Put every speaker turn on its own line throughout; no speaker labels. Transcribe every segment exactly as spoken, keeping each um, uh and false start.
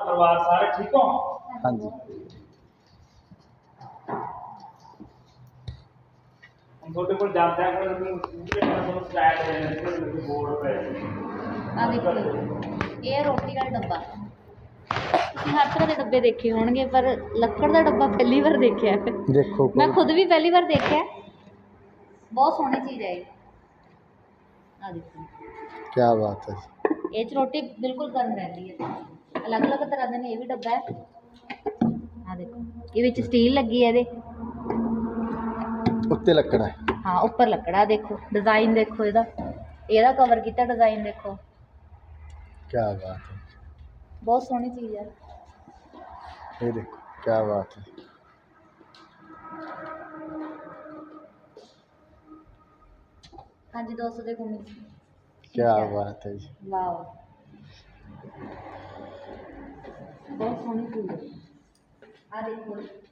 परिवार सारे ठीक हो?
हाँ जी
हम छोटे को जानते हैं कि हम स्टार्ट है बोर्ड पे
आ देखो ये रोटी का डब्बा हर तरह के डब्बे देखे होंगे पर लक्कड़ का डब्बा पहली बार देखा है।
देखो
मैं खुद भी पहली बार देखा है। बहुत सोहनी चीज़ है ये। आ देखो
क्या बात है
ये रोटी बिल्कुल गर्म रहती है। अलग अलग तरह के ये भी डब्बा है। आ देखो ये स्टील लगी है ये
उत्ते लकड़ा है
हाँ ऊपर लकड़ा देखो डिजाइन देखो ਇਹਦਾ ਇਹਦਾ कवर किया डिजाइन देखो
क्या बात है
बहुत सोहनी चीज़ है।
ये देखो क्या बात है
हाँ जी दोस्तों देखो मिक्स
क्या बात है जी
वाह बहुत सोहनी चीज़ है। आ देखो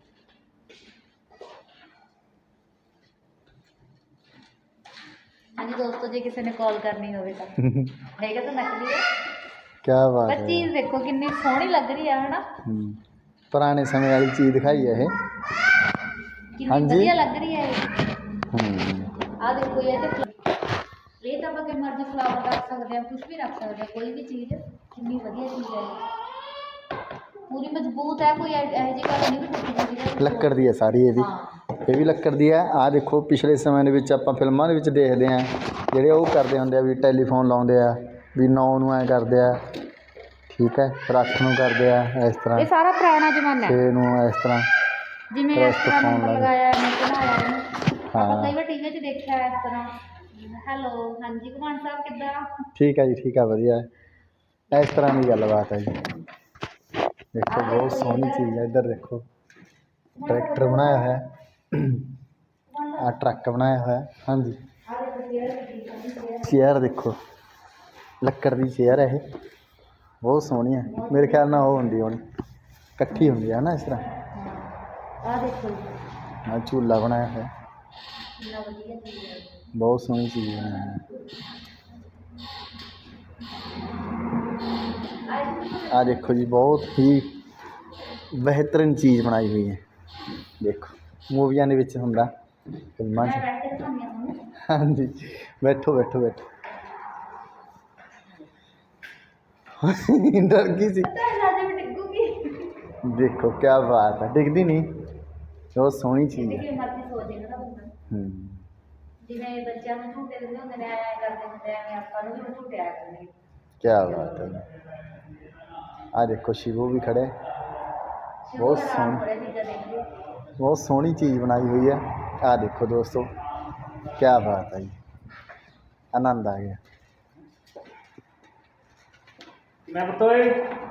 हाँ जी दोस्तों जी किसी ने कॉल करनी हो तो देखा तो नकली है
क्या बात
पर
है
चीज़ देखो कितनी सोहनी लग रही है ना
पुराने समय वाली चीज़ दिखाई है ये हाँ
कितनी
जी
बढ़िया लग रही है
हम्म,
आ देखो ये तो ये तो आप कि मर्जी फ्लावर रख सकते हैं कुछ भी रख सकते हैं कोई भी चीज़ कितनी बढ़िया चीज़ है पूरी मजबूत है कोई ऐसी गल नहीं भी टुटी फुटी है
ਲੱਕੜ ਦੀ ਹੈ ਸਾਰੀ ਇਹਦੀ ਇਹ ਵੀ ਲੱਕੜ ਦੀ ਹੈ ਆ ਦੇਖੋ ਪਿਛਲੇ ਸਮੇਂ ਦੇ ਵਿੱਚ ਆਪਾਂ ਫਿਲਮਾਂ ਦੇ ਵਿੱਚ ਦੇਖਦੇ ਆਂ ਜਿਹੜੇ ਉਹ ਕਰਦੇ ਹੁੰਦੇ ਆ ਵੀ ਟੈਲੀਫੋਨ ਲਾਉਂਦੇ ਆ ਵੀ ਨੌ ਨੂੰ ਐ ਕਰਦੇ ਆ ਠੀਕ ਹੈ ਫਿਰ ਅੱਠ ਨੂੰ ਕਰਦੇ ਆ ਇਸ ਤਰ੍ਹਾਂ
ਇਹ ਸਾਰਾ ਪੁਰਾਣਾ ਜ਼ਮਾਨਾ
ਛੇ ਨੂੰ ਇਸ ਤਰ੍ਹਾਂ
ਜਿਵੇਂ ਇਸ ਤਰ੍ਹਾਂ ਨੰਬਰ ਲਗਾਇਆ ਹੈ ਮੈਂ ਬਣਾਇਆ ਇਹਨੂੰ
ਹਾਂ
ਆਪਾਂ ਕਈ ਵਾਰ ਟੀਵੀ 'ਚ ਦੇਖਿਆ ਇਸ ਤਰ੍ਹਾਂ ਹੈਲੋ ਹਾਂਜੀ ਕੁਮਾਨ ਸਾਹਿਬ ਕਿੱਦਾਂ
ਠੀਕ ਹੈ ਜੀ ਠੀਕ ਹੈ ਵਧੀਆ ਇਸ ਤਰ੍ਹਾਂ ਦੀ ਗੱਲਬਾਤ ਹੈ ਜੀ देखो बहुत सोहनी चीज़ है इधर देखो ट्रैक्टर बनाया है आ ट्रक बनाया है हाँ जी चेयर देखो लक्कड़ की चेयर है ये बहुत सोहनी है मेरे ख्याल ना वो होंगी होनी इकट्ठी होंगी है ना इस तरह
आ देखो
हाँ झूला बनाया है बहुत सोहनी चीज़ बनाई है आ देखो जी बहुत ही बेहतरीन चीज़ बनाई हुई है देखो मूवियां ਦੇ ਵਿੱਚ ਹੁੰਦਾ ਫਿਲਮਾਂ 'ਚ हाँ जी बैठो बैठो बैठो डर गई सी देखो क्या बात है डिगदी नहीं बहुत सोहनी चीज़ है
ਜਿਵੇਂ ਬੱਚਿਆਂ ਨੂੰ ਝੂਟੇ ਦਿੰਦੇ ਹੁੰਦੇ ਨੇ ਐ ਕਰਦੇ ਹੁੰਦੇ ਐਵੇਂ ਆਪਾਂ ਨੂੰ ਵੀ ਝੂਟੇ ਆਇਆ ਕਰਨਗੇ
क्या बात है आ देखो शिवो भी खड़े बहुत सोहनी बहुत सोहनी चीज़ बनाई हुई है आ देखो दोस्तों क्या बात है जी आनंद आ गया
मैं बताए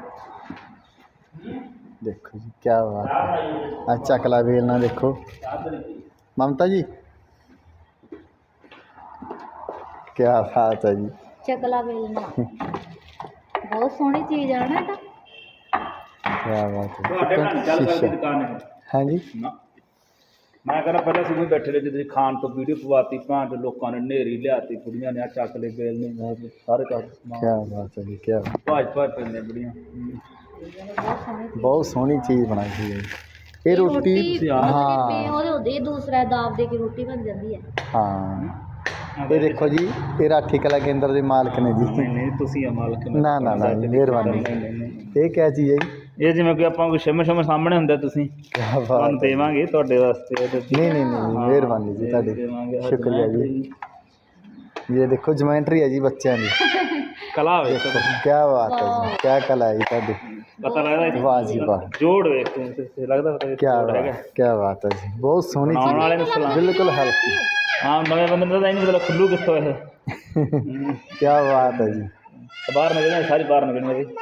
देखो जी क्या बात है अच्छा कला बेलना देखो ममता जी क्या बात है जी
चकला बेलना बहुत सोहनी चीज़ है ना तो
क्या बात है
ਤੁਹਾਡੇ ਨਾਲ ਚੱਲ ਕਰਦੀ ਦੁਕਾਨ ਹੈ
हाँ जी
ਨਾ ਮੈਂ ਕਹਿੰਦਾ ਪਹਿਲਾਂ ਸੀ ਵੀ ਬੈਠੇ ਰਹੇ ਜਦੋਂ ਖਾਣ ਤੋਂ ਵੀਡੀਓ ਪਵਾਤੀ ਭਾਂ ਤੇ ਲੋਕਾਂ ਨੇ ਨੇਰੀ ਲਿਆਤੀ ਕੁੜੀਆਂ ਨੇ ਆ ਚੱਕ ਲੈ ਬੇਲ ਨੇ ਸਾਰੇ ਕੰਮ
क्या बात है जी क्या
ਭਾਜ ਭਾਜ ਪੈਂਦੇ ਬੁੜੀਆਂ
बहुत सोहनी चीज़ बनाई हुई है ये रोटी हाँ
ਉਹਦੇ ਦੂਸਰਾ ਦਾਬ ਦੇ ਕੇ ਰੋਟੀ ਬਣ ਜਾਂਦੀ ਹੈ
हाँ ये देखो जी ये राठी कला केंद्र के मालिक ने जी
ਨਹੀਂ ਨਹੀਂ ਤੁਸੀਂ ਆ ਮਾਲਕ
ना ना ना जी मेहरबानी ये क्या चीज़ है जी
ਇਹ ਜਿਵੇਂ ਕਿ ਆਪਾਂ ਕੋਈ ਸ਼ਿਮ ਸ਼ਿਮ ਸਾਹਮਣੇ ਹੁੰਦਾ ਤੁਸੀਂ
क्या
ਤੁਹਾਨੂੰ
बात है
ਦੇਵਾਂਗੇ ਤੁਹਾਡੇ ਵਾਸਤੇ ਇਹਦੇ ਤੇ।
नहीं नहीं नहीं
हाँ,
मेहरबानी जी
ये
ताड़ी
देवांगे, हाँ,
शुक्रिया जी ये देखो ज्योमेट्री है जी बच्चों की
ਕਲਾ ਵੇਖ
देखो क्या बात है जी क्या कला है जी ताड़ी
ਪਤਾ ਲੱਗਦਾ
वाह जी वाह
ਜੋੜ ਵੇਖ ਤੂੰ ਤੇ ਲੱਗਦਾ ਪਤਾ
क्या बात क्या बात है जी बहुत सोहनी
ਬਣਾਉਣ ਵਾਲੇ
चीज़
ਨੂੰ ਸਲਾਮ
बिल्कुल हल्की
ਹਾਂ ਨਵੇਂ ਬੰਦੇ ਨੂੰ ਤਾਂ ਇਹ ਨਹੀਂ ਪਤਾ ਖੁੱਲੂ ਕਿੱਥੋਂ ਇਹ
क्या बात है जी
ਬਾਹਰ ਨਿਕਲਣਾ ਸਾਰੀ ਬਾਹਰ ਨਿਕਲਣਾ ਜੀ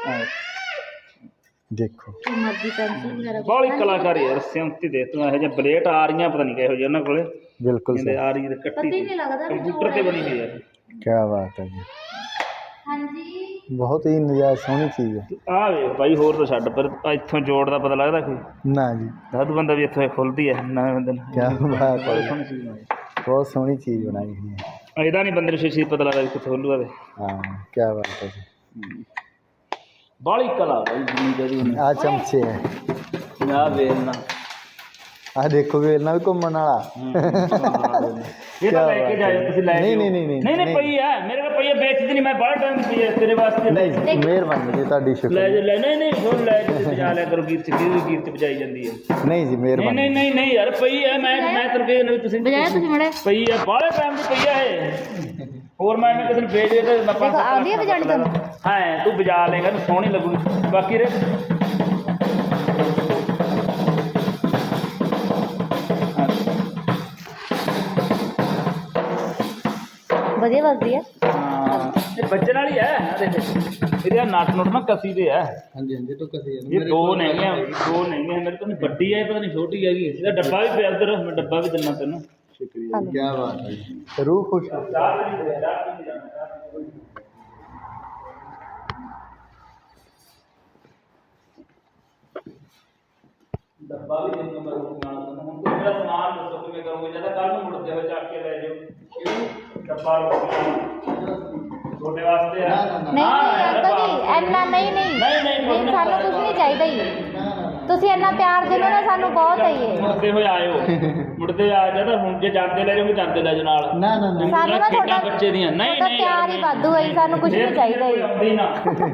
देखो
ਮਰਜ਼ੀ ਪੈਨਸਿਲ ਵਗੈਰਾ
ਬਾਹਲੀ ਕਲਾਕਾਰੀ ਯਾਰ ਸਿਉਂਤੀ ਦੇ ਤੂੰ ਇਹੋ ਜਿਹੇ ਬਲੇਟ ਆ ਰਹੀਆਂ ਪਤਾ ਨਹੀਂ ਕਿਹੋ ਜਿਹੇ ਉਹਨਾਂ ਕੋਲੇ
बिल्कुल
ਕਹਿੰਦੇ
सही
ਆ ਰਹੀ ਤੇ
ਪਤਾ
ਕੱਟੀ
ਹੀ ਨਹੀਂ ਲੱਗਦਾ ਵੀ
ਕੰਪਿਊਟਰ ਤੇ ਬਣੀ ਹੋਈ ਹੈ
क्या बात है जी
ਹਾਂਜੀ
बहुत ही नजायज़ सोहनी चीज़ है
ਆ ਵੇਖ ਭਾਈ ਹੋਰ ਤਾਂ ਛੱਡ ਪਰ ਇੱਥੋਂ ਜੋੜ ਦਾ ਪਤਾ ਲੱਗਦਾ ਕੋਈ
ना जी
ਦਸ ਬੰਦਾ ਵੀ ਇੱਥੋਂ ਖੁੱਲਦੀ ਹੈ ਨਵੇਂ ਬੰਦੇ ਨੂੰ
क्या बात है
ਬੜੀ
जी
ਸੋਹਣੀ ਚੀਜ਼ ਬਣਾਈ
बहुत सोहनी चीज़ बनाई हुई है
ਇਹਦਾ ਨਹੀਂ ਬੰਦੇ ਨੂੰ ਛੇਤੀ ਪਤਾ ਲੱਗਦਾ ਵੀ ਕਿੱਥੋਂ ਖੁੱਲੂਗਾ ਤੇ
हाँ क्या बात है जी
ਬਾਹਲੀ ਕਲਾ ਬਾਈ ਜਿੰਨੀ ਜਿਹੜੀ ਉਹਨੇ
ਆ ਚਮਚੇ ਹੈ
ਆ ਵੇਲਣਾ
ਆ ਦੇਖੋ ਵੇਲਣਾ ਵੀ ਘੁੰਮਣ ਵਾਲਾ
ਇਹ ਤਾਂ ਲੈ ਕੇ ਜਾਇਓ ਤੁਸੀਂ ਲੈ
ਨਹੀਂ
ਜਾਇਓ।
ਨਹੀਂ ਨਹੀਂ
ਨਹੀਂ ਨਹੀਂ ਪਈ ਹੈ ਮੇਰੇ ਕੋਲ ਪਈ ਹੈ ਵੇਚਦੀ ਨਹੀਂ ਮੈਂ ਬੜਾ ਟਾਈਮ ਪਈ ਹੈ ਤੇਰੇ ਵਾਸਤੇ
ਨਹੀਂ ਮਿਹਰਬਾਨੀ ਜੀ ਤੁਹਾਡੀ
ਲੈ
ਸ਼ੁਕਰ
ਜਾ ਲੈ ਨਹੀਂ ਨਹੀਂ ਹੋਰ ਲੈ ਕੇ ਬਜਾ ਲਿਆ ਕਰੋ ਗੀਤ ਗੀਤ ਗੀਤ ਬਜਾਈ ਜਾਂਦੀ ਹੈ
ਨਹੀਂ ਜੀ
ਨਹੀਂ
ਮਿਹਰਬਾਨੀ
ਨਹੀਂ ਨਹੀਂ ਨਹੀਂ ਯਾਰ ਪਈ ਹੈ ਮੈਂ ਮੈਂ ਤੈਨੂੰ ਕਿਹਾ ਨਹੀਂ ਤੁਸੀਂ
ਬਜਾਇਆ ਤੁਸੀਂ ਮੜੇ
ਪਈ ਹੈ ਬਾਹਲੇ ਟਾਈਮ ਦੀ ਪਈ ਹੈ ਇਹ ਹੋਰ ਮੈਂ ਮੈਂ ਕਿਸੇ ਨੂੰ ਵੇਚ ਦੇ ਤੇ ਮੈਂ ਪੰਜ ਸੱਤ
ਆਉਂਦੀ ਹੈ
ਲੱਖ
ਬਜਾਣੀ ਤੁਹਾਨੂੰ?
ਹਾਂ ਤੂੰ ਬਜਾ ਲੇਗਾ ਨੂੰ ਸੋਹਣੀ ਲੱਗੂਗੀ ਬਾਕੀ ਰੇ
ਵਧੀਆ ਵੱਜਦੀ ਹੈ।
ਹਾਂ ਇਹ ਬੱਚਣ ਵਾਲੀ ਹੈ ਆ ਦੇਖ ਇਹਦੇ ਨਟ ਨੁੱਟ ਨਾ ਕਸੀ ਦੇ ਹੈ
ਹਾਂਜੀ ਹਾਂਜੀ ਤੋਂ ਕਸੇ
ਇਹ ਦੋ ਨਹੀਂਆਂ ਦੋ ਨਹੀਂਆਂ ਮੇਰੇ ਤੋਂ ਵੱਡੀ ਹੈ ਪਤਾ ਨਹੀਂ ਛੋਟੀ ਹੈਗੀ ਇਹਦਾ ਡੱਬਾ ਵੀ ਪਿਆ ਉਧਰ ਮੈਂ ਡੱਬਾ ਵੀ ਦਿੰਦਾ ਤੈਨੂੰ
ਸ਼ੁਕਰੀਆ ਕੀ ਬਾਤ ਹੈ ਜੀ। ਰੂਹ ਖੁਸ਼ ਹੋ
ਡੱਬਾ ਵੀ ਦਿੰਦਾ ਮੈਂ ਰੋਟੀ ਨਾਲ ਤੈਨੂੰ ਹੁਣ ਤੂੰ ਮੇਰਾ ਸਮਾਨ ਦੱਸੋ ਕਿਵੇਂ ਕਰੋਗੇ ਜਾਂ ਤਾਂ ਕੱਲ ਨੂੰ ਮੁੜਦੇ ਹੋਏ ਚੱਕ ਕੇ ਲੈ ਜਾਓ ਡੱਬਾ ਤੁਹਾਡੇ ਵਾਸਤੇ ਆ
ਨਹੀਂ ਨਹੀਂ ਅੰਕਲ ਜੀ ਇੰਨਾ ਨਹੀਂ ਨਹੀਂ
ਨਹੀਂ, ਨਹੀਂ,
ਨਹੀਂ ਸਾਨੂੰ ਕੁਝ ਨਹੀਂ ਚਾਹੀਦਾ ਹੀ ਤੁਸੀਂ ਇੰਨਾ ਪਿਆਰ ਦਿੰਦੇ ਨਾ ਸਾਨੂੰ ਬਹੁਤ ਹੈ ਇਹ
ਮੁੜਦੇ ਹੋਏ ਆਇਓ ਮੁੜਦੇ ਆ ਜਾ ਤਾਂ ਹੁਣ ਜੇ ਜਾਂਦੇ ਲੈ ਜਾਓਗੇ ਜਾਂਦੇ ਲੈ ਜਾਓ ਨਾਲ
ਨਾ ਨਾ ਨਾ
ਸਾਨੂੰ ਨਾ
ਖੇਡਾਂ
ਤੁਹਾਡਾ
ਬੱਚੇ ਦੀਆਂ ਨਹੀਂ
ਤੁਹਾਡਾ
ਨਹੀਂ
ਪਿਆਰ ਹੀ ਵਾਧੂ ਹੈ ਜੀ, ਸਾਨੂੰ ਕੁਝ ਨਹੀਂ ਚਾਹੀਦਾ ਹੀ
ਆਉਂਦੀ ਨਾ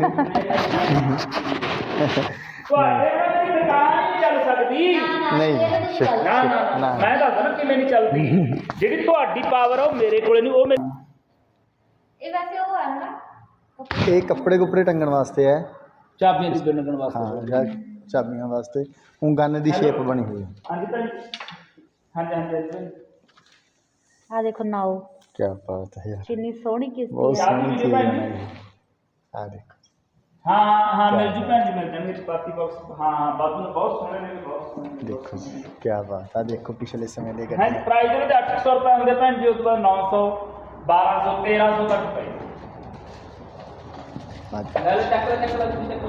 ਤੁਹਾਡੇ ਨਾਲ ਮੇਰੀ ਦੁਕਾਨ ਨਹੀਂ ਚੱਲ ਸਕਦੀ
ਨਹੀਂ ਸ਼ੁਕਰ
ਨਾ ਨਾ
ਨਾ
ਮੈਂ ਦੱਸਦਾ ਨਾ ਕਿਵੇਂ ਨਹੀਂ ਚੱਲਦੀ ਜਿਹੜੀ ਤੁਹਾਡੀ ਪਾਵਰ ਆ ਉਹ ਮੇਰੇ ਕੋਲੇ ਨਹੀਂ ਉਹ ਮੇਰੇ
ਇਹ ਵੈਸੇ ਉਹ ਹੈ ਨਾ
ਇਹ ਕੱਪੜੇ ਕੁਪੜੇ ਟੰਗਣ ਵਾਸਤੇ ਹੈ
ਚਾਬੀਆਂ ਦੀ ਬਿਲ ਲੱਗਣ ਵਾਸਤੇ
ਹਾਂ ਜਾਂ ਚਾਬੀਆਂ ਵਾਸਤੇ ਉਹ ਗਨ ਦੀ ਸ਼ੇਪ ਬਣੀ ਹੋਈ ਹੈ
ਹਾਂਜੀ ਭੈਣ ਹਾਂਜੀ ਹਾਂਜੀ ਹਾਂਜੀ
ਆ ਦੇਖੋ ਨਾਓ
ਕੀ ਬਾਤ ਹੈ ਯਾਰ
ਕਿੰਨੀ ਸੋਹਣੀ
ਬਹੁਤ
ਕਿਸ਼ਤੀ ਹੈ
ਸੋਹਣੀ ਚੀਜ਼ ਬਣਾਈ ਆ ਦੇਖੋ
ਹਾਂ ਹਾਂ ਹਾਂ ਮਿਲ ਜੂ ਭੈਣ ਜੀ ਮਿਲ ਜਾਣਗੇ ਚਪਾਤੀ ਬਾਕਸ ਹਾਂ ਹਾਂ ਬਾਬੂ ਨੇ ਬਹੁਤ ਸੋਹਣੇ ਨੇ ਬਹੁਤ ਸੋਹਣੇ ਨੇ
ਦੇਖੋ ਜੀ ਕੀ ਬਾਤ ਆ ਦੇਖੋ ਪਿਛਲੇ ਸਮੇਂ ਦੇ
ਹਾਂ
ਗੱਡੀ
ਪ੍ਰਾਈਸ ਇਹਦੇ ਅੱਠ ਸੌ ਰੁਪਏ ਹੁੰਦੇ ਭੈਣ ਜੀ ਉਸ ਤੋਂ ਬਾਅਦ ਨੌ ਸੌ ਬਾਰਾਂ ਸੌ ਤੇਰਾਂ ਸੌ ਤੱਕ ਪਏ ਲੈ ਲੈ ਚੱਕ ਲੈ ਚੱਕ ਲੈ ਤੁਸੀਂ ਚੱਕੋ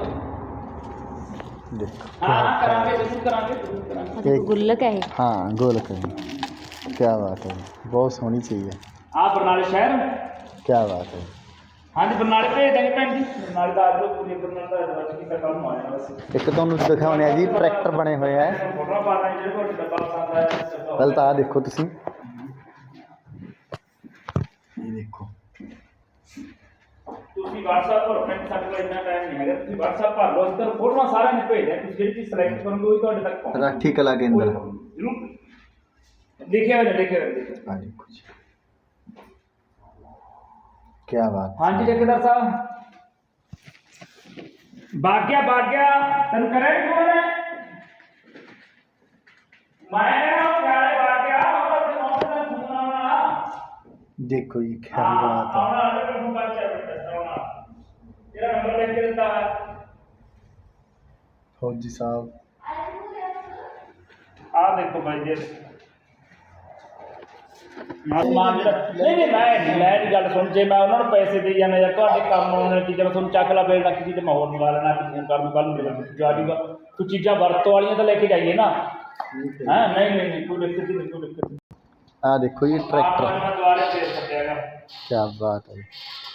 ਦੇਖੋ
ਹਾਂ ਹਾਂ ਕਰਾਂਗੇ ਜ਼ਰੂਰ ਕਰਾਂਗੇ ਜ਼ਰੂਰ ਕਰਾਂਗੇ
ਆ ਦੇਖੋ ਗੁੱਲਕ ਹੈ ਇਹ
ਹਾਂ ਗੋਲ ਕਰੀ ਕੀ ਬਾਤ ਹੈ ਬਹੁਤ ਸੋਹਣੀ ਚੀਜ਼ ਹੈ
ਆ ਬਰਨਾਲੇ ਸ਼ਹਿਰ
ਕੀ ਬਾਤ ਹੈ
ਹਾਂਜੀ ਬਰਨਾਲੇ ਭੇਜ ਦਾਂਗੇ ਭੈਣ ਜੀ ਬਰਨਾਲੇ ਦਾ ਅੱਜ ਪੂਰੀ ਬਰਨਾਲੇ ਦਾ ਬੱਚ ਕੀਤਾ ਕੰਮ ਆਇਆ ਬਸ
ਇੱਕ ਤੁਹਾਨੂੰ ਦਿਖਾਉਣੇ ਆ ਜੀ ਟਰੈਕਟਰ ਬਣੇ ਹੋਏ ਆ
ਫੋਟੋ ਪਾ ਦਾਂਗੇ ਜਿਹੜੇ ਕੋਲ ਡੱਬਾ ਪਸੰਦ ਆਇਆ
ਪਹਿਲਾਂ ਤਾਂ ਆਹ ਦੇਖੋ ਤੁਸੀਂ ਇਹ ਦੇਖੋ
ਤੁਸੀਂ WhatsApp ਪਰ ਫਰੈਂਡ ਸਾਡੇ ਕੋਲ ਇੰਨਾ ਟਾਈਮ ਨਹੀਂ ਹੈਗਾ ਤੁਸੀਂ WhatsApp ਭਰ ਲਓ ਅਸੀਂ ਤੁਹਾਨੂੰ ਫੋਟੋਆਂ ਸਾਰਿਆਂ ਨੂੰ ਭੇਜ ਦਿਆਂ ਤੁਸੀਂ ਜਿਹੜੀ ਚੀਜ਼ ਸਿਲੈਕਟ ਕਰੋਗੇ ਉਹ ਤੁਹਾਡੇ ਤੱਕ ਪਹੁੰਚ
ਰਾਠੀ ਕਲਾ ਕੇਂਦਰ
ਜ਼ਰੂਰ ਲਿਖਿਆ ਹੋਇਆ ਲਿਖਿਆ ਹੋਇਆ ਲਿਖਿਆ
ਆ ਦੇਖੋ ਜੀ ਕੀ ਬਾਤ
ਹਾਂਜੀ ਠੇਕੇਦਾਰ ਸਾਹਿਬ ਬਾਗਿਆ ਬਾਗਿਆ ਤੈਨੂੰ ਕਰਿਆ ਫੋਨ ਹੈ ਮੈਂ ਨਾ ਪਿਆਰੇ ਬਾਗਿਆ ਉਹ ਤੇ ਮੌਕੇ ਦਾ ਫੋਨ ਆਉਣਾ
ਦੇਖੋ ਜੀ ਕੀ ਬਾਤ ਹੈ
ਆਉਣਾ ਅਗਰ ਫੋਨ ਕਰ ਚਾਹ ਬੇਟਾ ਆਉਣਾ ਤੇਰਾ ਨੰਬਰ ਲਿਖ ਕੇ ਦਿੱਤਾ ਹੈ
ਫੌਜੀ ਸਾਹਿਬ
ਆ ਦੇਖੋ ਭਾਈ ਜੀ ਮਾਨ ਜਿਹੜਾ ਨਹੀਂ ਨਹੀਂ ਮੈਂ ਨਹੀਂ ਮੈਂ ਦੀ ਗੱਲ ਸੁਣ ਜੇ ਮੈਂ ਉਹਨਾਂ ਨੂੰ ਪੈਸੇ ਦੇ ਜਾਣਾ ਜਾਂ ਤੁਹਾਡੇ ਕੰਮ ਆਉਣ ਵਾਲੀ ਚੀਜ਼ਾਂ ਤੁਹਾਨੂੰ ਚੱਕ ਲਾ ਬੇਲਣਾ ਕਿਸੇ ਤੇ ਮਾਹੌਲ ਮੰਗਾ ਲੈਣਾ ਕਿਸੇ ਨੂੰ ਕਰਨ ਕੱਲ ਨੂੰ ਮਿਲਣ ਜਾ ਜੂਗਾ ਤੂੰ ਚੀਜ਼ਾਂ ਵਰਤੋਂ ਵਾਲੀਆਂ ਤਾਂ ਲੈ ਕੇ ਜਾਈਏ ਨਾ ਹਾਂ ਨਹੀਂ ਨਹੀਂ ਨਹੀਂ ਕੋਈ ਦਿੱਕਤ ਨਹੀਂ ਕੋਈ ਦਿੱਕਤ ਨਹੀਂ
ਆ ਦੇਖੋ ਜੀ ਟਰੈਕਟਰ
ਮੈਂ ਦੁਆਰੇ ਫੇਰ ਸੱਦਿਆਗਾ
ਕੀ ਬਾਤ ਹੈ ਜੀ।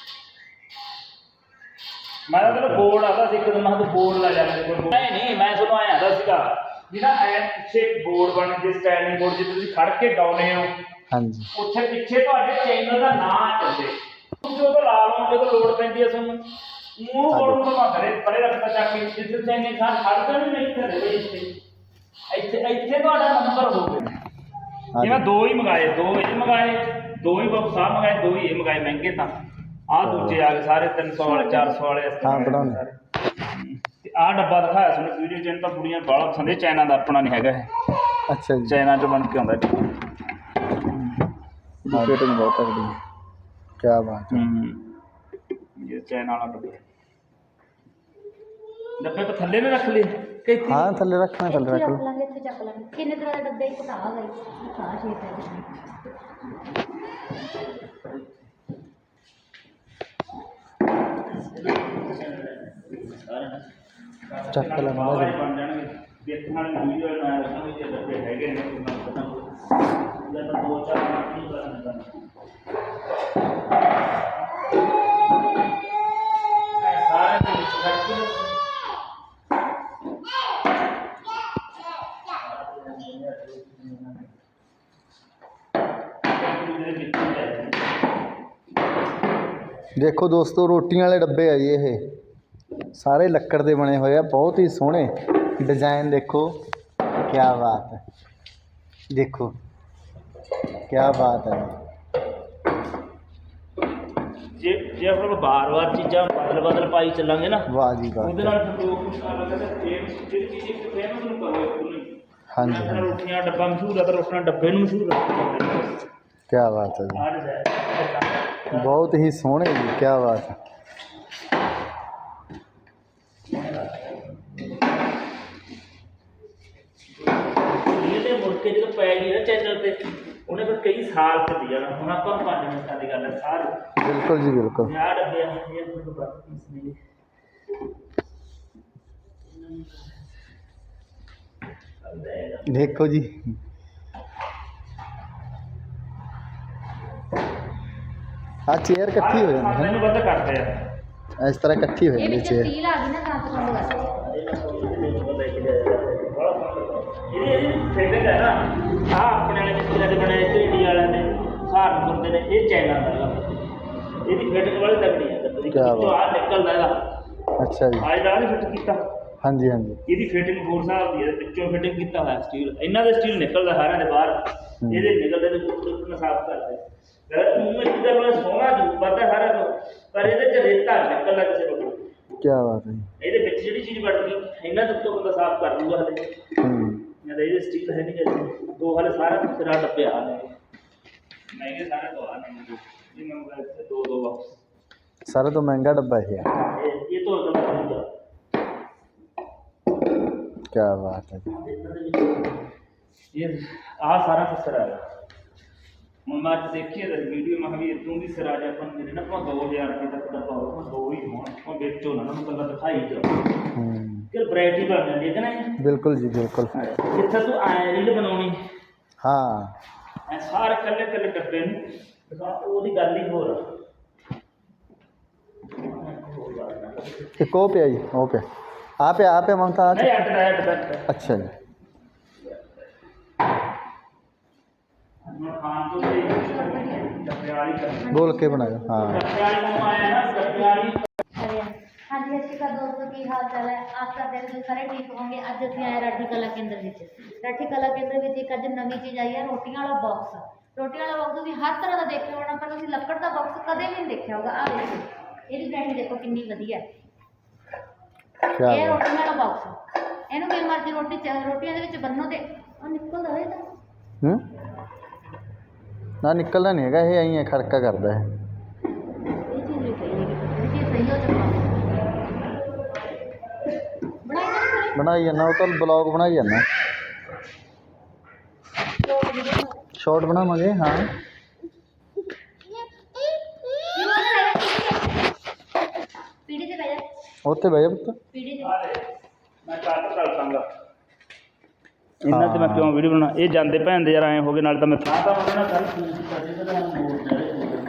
ਮੈਂ ਤਾਂ ਤੈਨੂੰ ਬੋਰਡ ਆਦਾ ਸੀ ਇੱਕ ਦਿਨ ਮੈਂ ਤਾਂ ਬੋਰਡ ਲੈ ਜਾ ਮੇਰੇ ਕੋਲ ਨਹੀਂ ਨਹੀਂ ਮੈਂ ਤੁਹਾਨੂੰ ਆਇਆ ਆਦਾ ਸੀਗਾ ਜਿਹੜਾ ਐ ਪਿੱਛੇ ਬੋਰਡ ਬਣ ਜੇ ਸਟੈਂਡਿੰਗ ਬੋਰਡ ਜਿੱਥੇ ਤੁਸੀਂ ਖੜ ਕੇ ਡਾਉਨੇ ਹੋ
ਹਾਂਜੀ
ਉੱਥੇ ਪਿੱਛੇ ਤੁਹਾਡੇ ਚੈਨਲ ਦਾ ਨਾਮ ਚੱਲਦੇ ਤੁਸੀਂ ਜਦੋਂ ਲਾ ਲਓ ਜਦੋਂ ਲੋਡ ਪੈਂਦੀ ਹੈ ਤੁਹਾਨੂੰ ਮੂੰਹ ਬੋਰਡ ਨੂੰ ਤਾਂ ਘਰੇ ਪਰੇ ਰੱਖਦਾ ਚੱਕ ਕੇ ਜਿੱਥੇ ਚੈਨਲ ਖਾਨ ਖੜਦਾ ਵੀ ਨਹੀਂ ਘਰੇ ਦੇ ਇੱਥੇ ਇੱਥੇ ਇੱਥੇ ਤੁਹਾਡਾ ਨੰਬਰ ਹੋਵੇ ਜਿਵੇਂ ਦੋ ਹੀ ਮੰਗਾਏ ਦੋ ਇਹ ਮੰਗਾਏ ਦੋ ਹੀ ਬਾਬੂ ਸਾਹਿਬ ਮੰਗਾਏ ਦੋ ਹੀ ਇਹ ਮੰਗਾਏ ਮਹਿੰਗੇ ਤਾਂ ਆਹ ਦੂਜੇ ਆ ਗਏ ਸਾਰੇ ਤਿੰਨ ਸੌ ਵਾਲੇ ਚਾਰ ਸੌ ਵਾਲੇ
ਹਾਂ ਬਣਾਉਣੇ
ਤੇ ਆਹ ਡੱਬਾ ਦਿਖਾਇਆ ਤੁਹਾਨੂੰ ਵੀਡੀਓ ਚ ਤਾਂ ਬੁੜੀਆਂ ਬਾਲਾ ਪਸੰਦ ਹੈ ਚਾਈਨਾ ਦਾ ਆਪਣਾ ਨਹੀਂ ਹੈਗਾ ਇਹ
ਅੱਛਾ ਜੀ
ਚਾਈਨਾ ਚ ਬਣ ਕੇ ਆਉਂਦਾ
ਮਾਰਕੀਟਿੰਗ ਬਹੁਤ ਤਗੜੀ ਹੈ ਕੀ ਬਾਤ ਹੈ
ਹੂੰ ਇਹ ਚਾਈਨਾ ਵਾਲਾ ਡੱਬਾ ਡੱਬੇ ਪਰ ਥੱਲੇ ਨੇ ਰੱਖ ਲਏ ਕਿ ਇੱਥੇ
ਹਾਂ ਥੱਲੇ ਰੱਖਣਾ ਥੱਲੇ
ਇੱਥੇ
ਰੱਖ
ਰੱਖ
ਲਓ
ਲਾਂਗੇ ਇੱਥੇ ਚੱਕ ਲਾਂਗੇ ਕਿੰਨੇ ਤਰ੍ਹਾਂ ਦੇ ਡੱਬੇ ਇੱਕ ਤਾਂ ਆ ਗਈ ਸਾਰਾ ਸ਼ੇਪ ਹੈ
ਚੱਕ ਲੈ ਮਾੜਾ
ਬਾਹਰ ਹੀ
ਜਿਹਾ।
ਬਣ ਜਾਣਗੇ ਦੇਖਣ ਵਾਲੀ ਵੀਡੀਓ ਨਾ ਰੱਖਣਾ ਵੀ ਜੇ ਡੱਬੇ ਹੈਗੇ ਨੇ ਉਹਨਾਂ ਨੂੰ ਪਤਾ ਜਾਂ ਤਾਂ ਦੋ ਚਾਰ ਮਿੰਟ ਨਹੀਂ ਕਰਨਾ ਸਾਰੇ ਦੇ ਵਿੱਚ
देखो दोस्तों रोटियां वाले डब्बे है जी ये सारे लक्कड़ के बने हुए हैं, बहुत ही सोहने डिजाइन। देखो क्या बात है, देखो क्या बात है।
जे जे आप बार बार चीज़ा बदल बदल पाई चलांगे ना,
वाह जी वाह।
ਉਹਦੇ ਨਾਲ ਫਿਰ ਲੋਕ ਕੁਛ ਅਲੱਗ ਅਲੱਗ ਫੇਮਸ ਜਿਹੜੀ ਚੀਜ਼ ਇੱਕ ਫੇਮਸ ਨੂੰ ਕਰੋ ਇੱਕ ਨੂੰ।
हाँ जी
ਜਿਸ ਤਰ੍ਹਾਂ
हाँ जी,
ਰੋਟੀਆਂ ਡੱਬਾ ਮਸ਼ਹੂਰ ਹੈ ਤਾਂ ਰੋਟੀਆਂ ਡੱਬੇ ਨੂੰ ਮਸ਼ਹੂਰ ਰੱਖੋ।
क्या बात है जी,
ਆਹ ਡਿਜ਼ਾਈਨ
बहुत ही सोहने जी, क्या बात है।
ਇਹਦੇ ਮੁੜ ਕੇ ਜਦੋਂ ਪੈ ਗਈ ਨਾ ਚੈਨਲ ਤੇ ਉਹਨੇ ਫਿਰ ਕਈ ਸਾਲ ਚੱਲੀ ਜਾਣਾ। ਹੁਣ ਆਪਾਂ ਪੰਜ ਮਿੰਟਾਂ ਦੀ ਗੱਲ ਹੈ ਸਾਰੀ।
बिल्कुल जी बिल्कुल।
ਆਹ ਡੱਬੇ ਆ ਇਹ ਤੁਹਾਨੂੰ ਬਸ ਪੀਸ ਨੇ।
देखो जी आ चेयर इकट्ठी हो जाती है
ਮੈਨੂੰ ਵੱਧ ਕਰਦੇ ਆ।
ना, इस तरह इकट्ठी हो
ਇਹ
जाती
ਵਿੱਚ
चेयर।
ਸਟੀਲ ਆ ਗਈ ਨਾ ਤਾਂ ਤੋਂ ਬੰਦ ਕਰ
ਇਹਦੀ ਫਿਟਿੰਗ ਹੈ ਨਾ ਆਹ ਆਪਣੇ ਵਾਲੇ ਮਿਸਤਰੀਆਂ ਦੇ ਬਣਾਏ ਤੇ ਇੰਡੀਆ ਵਾਲਿਆਂ ਨੇ ਸਹਾਰਨਪੁਰ ਦੇ ਨੇ, ਇਹ ਚਾਈਨਾ ਦਾ ਹੈਗਾ। ਇਹਦੀ ਫਿਟਿੰਗ ਵਾਲੀ ਤਕੜੀ ਹੈ ਗੱਡੀ ਦੀ।
ਕਿਆ ਬਾਤ।
ਵਿੱਚੋਂ ਆਹ ਨਿਕਲਦਾ ਇਹਦਾ
अच्छा जी,
ਆਹ ਜਿਹੜਾ ਨਹੀਂ ਫਿੱਟ ਕੀਤਾ
हाँ जी हाँ जी,
ਇਹਦੀ ਫਿਟਿੰਗ ਹੋਰ ਹਿਸਾਬ ਦੀ ਹੈ। ਵਿੱਚੋਂ ਫਿਟਿੰਗ ਕੀਤਾ ਹੋਇਆ ਸਟੀਲ, ਇਹਨਾਂ ਦਾ ਸਟੀਲ ਨਿਕਲਦਾ ਸਾਰਿਆਂ ਦੇ ਬਾਹਰ। ਇਹਦੇ ਨਿਕਲਦੇ ਤੇ ਉੱਪਰ ਨੂੰ ਸਾਫ਼ ਕਰਦੇ ਗਲਤ ਮੂੰਹ ਵਿੱਚ ਤਾਂ ਬੜਾ ਸੋਹਣਾ ਜੂ ਪਤਾ ਸਾਰਿਆਂ ਨੂੰ, ਪਰ ਇਹਦੇ ਚ ਰੇਤਾ ਨਿਕਲਦਾ ਕਿਸੇ ਨੂੰ।
क्या बात है।
ਇਹਦੇ ਵਿੱਚ ਜਿਹੜੀ ਚੀਜ਼ ਵੜ ਗਈ ਇਹਨਾਂ ਦੇ ਉੱਤੋਂ ਬੰਦਾ ਸਾਫ਼ ਕਰ ਲੂਗਾ ਹਲੇ।
हम्म,
ਜਾਂ ਤਾਂ ਇਹਦੇ ਸਟੀਲ ਹੈ ਨਹੀਂ ਕਿਸੇ ਦੋ ਹਲੇ ਸਾਰਾ ਤੇਰਾ ਡੱਬੇ ਆ ਨੇ ਮਹਿੰਗੇ ਸਾਰੇ ਦੋ ਆ ਨੇ ਜੀ। ਮੈਂ ਮੋਬਾਈਲ ਦੋ ਦੋ ਬਾਕਸ
सारा तो महंगा डब्बा है,
ਇਹ ਇਹ ਤੋਂ ਅਗਲਾ ਖਰੀਦਾ
क्या बात है जी।
ਇਹਨਾਂ ਦੇ ਵਿੱਚ ਇਹ ਆਹ ਸਾਰਾ ਫਸਰ ਆ ਹੁਣ ਮੈਂ ਅੱਜ ਦੇਖੀ ਹੈ ਵੀਡੀਓ ਮੈਂ ਵੀ ਇਦੋਂ ਦੀ ਸਰਾਜ ਆਪਾਂ ਨੂੰ ਜਿਹੜੇ ਨਾ ਆਪਾਂ ਦੋ ਹਜ਼ਾਰ ਰੁਪਏ ਤੱਕ ਦਾ ਪਾਓ ਦੋ ਹੀ ਹੋਣ ਉਹ ਵੇਚੋ ਨਾ ਉਹਨੂੰ ਕੱਲਾ ਦਿਖਾਈ ਜਾਓ
हम्म,
ਕਿ ਵੈਰਾਈਟੀ ਬਣ ਜਾਂਦੀ ਹੈ ਕਿ ਨਹੀਂ।
बिल्कुल जी बिल्कुल।
ਜਿੱਥੇ ਤੂੰ ਐ ਰੀਲ ਬਣਾਉਣੀ
हाँ
ਐ ਸਾਰੇ ਕੱਲੇ ਕੱਲੇ ਡੱਬੇ ਨੂੰ ਦਿਖਾ, ਉਹਦੀ ਗੱਲ ਹੀ ਹੋਰ ਆ।
एक वो पे आई वो पे आप पे आप पे ममता आ
ਨਹੀਂ ਅੱਡ ਦਾ ਅੱਡ ਦਾ
अच्छा जी,
ਹੁਣ ਖਾਣ ਤੋਂ ਤੇ ਡੱਬੇ ਵਾਲੀ ਕਰਨੀ
बोल के बनाया। हाँ
ਡੱਬੇ ਵਾਲੀ ਨੂੰ ਆਇਆ ਨਾ ਡੱਬੇ ਵਾਲੀ।
ਅਰੇ हाँ जी अच्छी का दोस्तों की हाल चाल है। आस करते हैं कि सारे ठीक होंगे। अज असीं आए राठी कला केंद्र विच। राठी कला केंद्र विच एक अज नवीं चीज़ आई है, रोटियां वाला बॉक्स। रोटियां वाला बॉक्स तुसीं हर तरह का देखिया होना, पर तुसीं लक्कड़ का बॉक्स कदे भी नहीं देखा होगा। आ देखो ਇਹਦੀ ਪੈਕਿੰਗ ਦੇਖੋ ਕਿੰਨੀ ਵਧੀਆ ਹੈ।
क्या
ਇਹ
बात।
ਰੋਟੀ ਵਾਲਾ ਬਾਕਸ, ਇਹਨੂੰ ਕੀ ਮਰਜ਼ੀ ਰੋਟੀ ਚ- ਰੋਟੀਆਂ ਦੇ ਵਿੱਚ ਬੰਨੋ ਤੇ ਉਹ ਨਿਕਲਦਾ ਹੋਏ ਤਾਂ
हम्म, ना निकलना नहीं है, ये यहीं है खड़का करता है।
ਇਹ ਚੀਜ਼ ਵੀ ਸਹੀ ਹੈ। ਇਹ ਚੀਜ਼ ਸਹੀ ਹੋ ਚੱਕਾ ਬਣਾਈ ਨਾ ਕਰੇ
बनाई जाना वो तो ब्लॉग बनाई जाना, शॉर्ट बनावांगे। हाँ
ਪੀੜੀ ਤੇ ਬਹਿ ਜਾ,
उत्थे बह जा पुत्त।
ਪੀੜੀ ਤੇ
ਮੈਂ ਕੱਟ ਕਰ ਦਾਂਗਾ ਇਹਨਾਂ ਤੇ ਮੈਂ ਕਿਉਂ ਵੀਡੀਓ ਬਣਾ। ਇਹ ਜਾਂਦੇ ਭੈਣ ਦੇ ਯਾਰ ਐਂ ਹੋ ਗਏ ਨਾਲ ਤਾਂ ਮੈਂ ਤਾਂ ਤਾਂ ਉਹਨਾਂ ਨਾਲ ਕੱਲ ਫੋਨ ਕੀਤਾ ਸੀ ਤੇ ਮੈਂ ਮੋੜ ਦੇ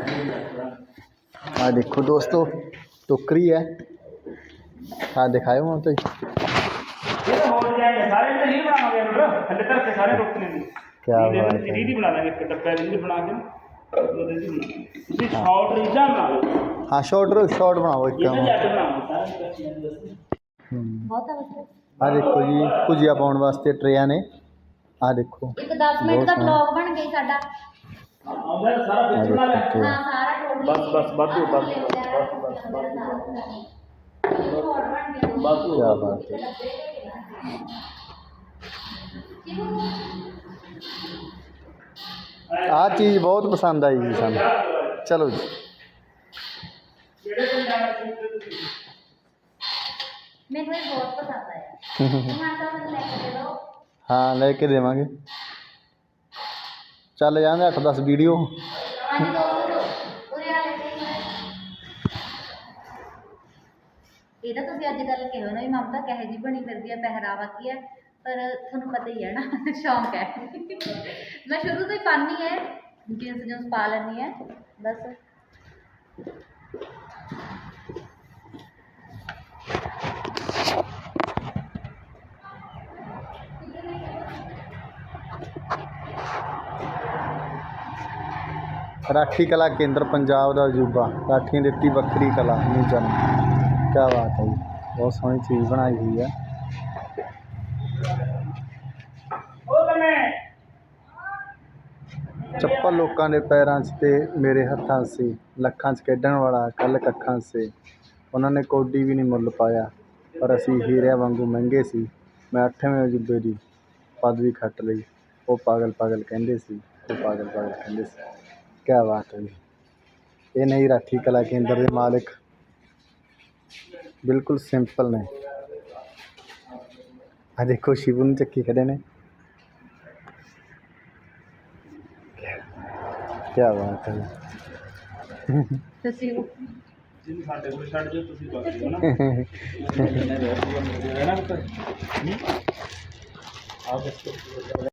हाँ देखो दोस्तों टोकरी है, हाँ दिखाए वहाँ तो
ਇਹ ਤਾਂ ਹੋ ਜਾਏਗਾ ਸਾਰੇ ਤੇ ਰੀਲ ਬਣਾਵਾਂਗੇ ਯਾਰ ਥੱਲੇ ਧਰ ਕੇ ਸਾਰੇ ਰੋਕ ਲੈਂਦੇ।
ਕਿਆ ਬਾਤ ਹੈ।
ਰੀਲ ਹੀ ਬਣਾ ਲਾਂਗੇ ਇੱਕ ਡੱਬਾ ਰੀਲ ਬਣਾ ਕੇ ਉਹਦੇ ਦੀ ਬਣਾ ਤੁਸੀਂ ਸ਼ਾਰਟ ਰੀਲਾਂ ਬਣਾਓ
हाँ शॉर्ट शॉर्ट बनाओ एक
ਇਹਨਾਂ
काम।
ਦੇ ਅੱਡ ਬਣਾਓ ਸਾਰੇ ਬੱਚਿਆਂ ਦੇ ਵਾਸਤੇ।
हम्म,
ਬਹੁਤ ਆ ਵਧੀਆ।
आ देखो जी भुजिया पाउण वास्ते ट्रेयां ने, आ देखो
ਇੱਕ ਦਸ ਮਿੰਟ ਦਾ ਬਲੌਗ ਬਣ ਗਿਆ ਸਾਡਾ।
ਆਉਂਦਾ ਸਾਰਾ
आ
ਵਿੱਚ ਬਣਾ ਲੈ।
देखो
ਹਾਂ ਸਾਰਾ ਟੋਟਲ
ਬਸ ਬਸ ਵਾਧੂ ਬਸ ਬਸ ਬਸ ਬਸ ਬਸ
क्या बात है। आ चीज़ बहुत पसंद आई जी सानू। चलो जी
ਮੈਨੂੰ ਇਹ ਬਹੁਤ ਪਸੰਦ ਆਇਆ। ਟਮਾਟਰ ਮੈਨੂੰ ਲੈ ਕੇ ਦੇ ਦਿਓ।
हाँ लेके देवांगे, चल जाने अठ दस वीडियो।
ਹਾਂਜੀ ਦੋਸਤੋ ਉਰੇ ਆ ਲੈ ਕੇ ਇਹ ਤਾਂ ਤੁਸੀਂ ਅੱਜ ਕੱਲ੍ਹ ਕਿਹਾ ਨਾ ਵੀ ਮਮਤਾ ਕਿਹੋ ਜਿਹੀ ਬਣੀ ਫਿਰਦੀ ਹੈ, ਪਹਿਰਾਵਾ ਕੀ ਹੈ, ਪਰ ਤੁਹਾਨੂੰ ਪਤਾ ਹੀ ਹੈ ਨਾ ਸ਼ੌਂਕ ਹੈ। ਮੈਂ ਸ਼ੁਰੂ ਤੋਂ ਹੀ ਪਾਉਂਦੀ ਹੈ, ਜੀਨਸ ਜੂਨਸ ਪਾ ਲੈਂਦੀ ਹੈ ਬਸ।
राठी कला केंद्र पंजाब का अजूबा राठी दिती बखरी कला नहीं जन क्या बात है जी बहुत सोहनी चीज़ बनाई हुई है चप्पल लोगों के पैरों च ते मेरे हत्थां से लखां च खेडण वाला कल कखां से उन्होंने कौडी भी नहीं मुल पाया पर असी हीरिया वांगू महंगे सी मैं अठवें अजूबे की पदवी खट लई वो पागल पागल कहंदे सी वो पागल पागल कहंदे सी क्या बात है जी ये नहीं राठी कला केंद्र के मालिक बिल्कुल सिंपल ने आ देखो शिवू ने चक्की खड़े ने क्या बात है
ਤੁਸੀਂ ਉਹ
ਜਿਹਨੂੰ ਸਾਡੇ ਕੋਲ ਛੱਡ ਜਾਓ ਤੁਸੀਂ ਬਾਕੀ ਹੋ ਨਾ ਰਹਿਣਾ ਪੁੱਤ ਆ ਦੱਸੋ